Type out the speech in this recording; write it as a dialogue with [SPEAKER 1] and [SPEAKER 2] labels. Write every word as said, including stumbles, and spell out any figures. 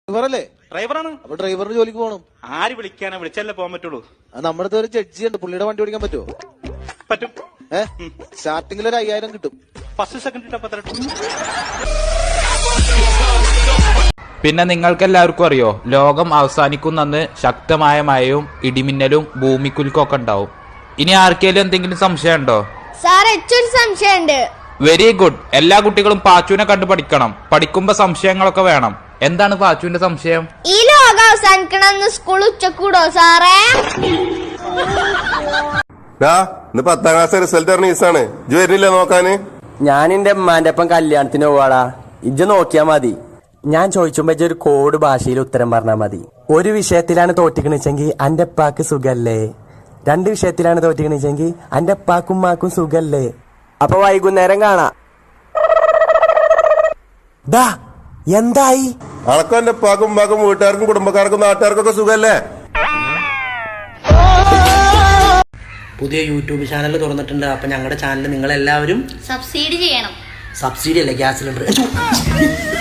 [SPEAKER 1] ഡ്രൈവറല്ലേ?
[SPEAKER 2] ഡ്രൈവറാണ്.
[SPEAKER 1] അപ്പൊ ഡ്രൈവറിന് ജോലിക്ക് പോകണം.
[SPEAKER 2] ആര് വിളിക്കാനാ? വിളിച്ചല്ലേ പോകാൻ പറ്റുള്ളൂ.
[SPEAKER 1] നമ്മുടെ അടുത്ത് ഒരു ജഡ്ജി ഉണ്ട്, പുള്ളിയുടെ വണ്ടി ഓടിക്കാൻ പറ്റുമോ?
[SPEAKER 2] പറ്റും.
[SPEAKER 1] ഏഹ് സ്റ്റാർട്ടിങ്ങിൽ ഒരു അയ്യായിരം കിട്ടും.
[SPEAKER 2] First second.
[SPEAKER 3] പിന്നെ നിങ്ങൾക്കെല്ലാവർക്കും അറിയോ, ലോകം അവസാനിക്കുന്നന്ന് ശക്തമായ മഴയും ഇടിമിന്നലും ഭൂമിക്കുലുക്കൊക്കെ ഉണ്ടാവും. ഇനി ആർക്കെങ്കിലും എന്തെങ്കിലും സംശയം ഉണ്ടോ?
[SPEAKER 4] സാർ ഏറ്റവും സംശയമുണ്ട്.
[SPEAKER 3] Very good. എല്ലാ കുട്ടികളും പാച്ചുവിനെ കണ്ടു പഠിക്കണം. പഠിക്കുമ്പോ സംശയങ്ങളൊക്കെ വേണം. എന്താണ് പാച്ചുവിന്റെ സംശയം?
[SPEAKER 4] ഈ ലോകം അവസാനിക്കണമെന്ന് സ്കൂൾ ഉച്ചക്കൂടോ സാറേ?
[SPEAKER 5] ഇന്ന് പത്താം ക്ലാസ് റിസൾട്ട് അറിഞ്ഞ ഈസാണ്. ഇജ്ജ് വരുന്നില്ല നോക്കാന്?
[SPEAKER 6] ഞാൻ എന്റെ ഉമ്മാന്റെ ഒപ്പം കല്യാണത്തിന് പോവാടാ. ഇജ്ജ് നോക്കിയാ മതി. ഞാൻ ചോദിച്ചുമ്പോ ഇജ്ജ് ഒരു കോഡ് ഭാഷയിൽ ഉത്തരം പറഞ്ഞാ മതി. ഒരു വിഷയത്തിലാണ് തോറ്റിക്കണിച്ചെങ്കിൽ അന്റെ ഉപ്പാക്ക് സുഖല്ലേ? രണ്ട് വിഷയത്തിലാണ് തോറ്റിക്കണിച്ചെങ്കിൽ അന്റെ ഉപ്പാക്കും ഉമ്മാക്കും സുഖല്ലേ? അപ്പൊ വൈകുന്നേരം കാണാ. ദാ എന്തായി?
[SPEAKER 5] അണക്കും എന്റെ ഉപ്പാക്കും ഉമ്മാക്കും വീട്ടുകാർക്കും കുടുംബക്കാർക്കും നാട്ടുകാർക്കും ഒക്കെ സുഖല്ലേ?
[SPEAKER 7] പുതിയ യൂട്യൂബ് ചാനൽ തുറന്നിട്ടുണ്ട്. അപ്പൊ ഞങ്ങളുടെ ചാനൽ നിങ്ങൾ എല്ലാവരും
[SPEAKER 4] സബ്സിഡി ചെയ്യണം.
[SPEAKER 7] സബ്സിഡി അല്ലേ, ഗ്യാസ് സിലിണ്ടർ.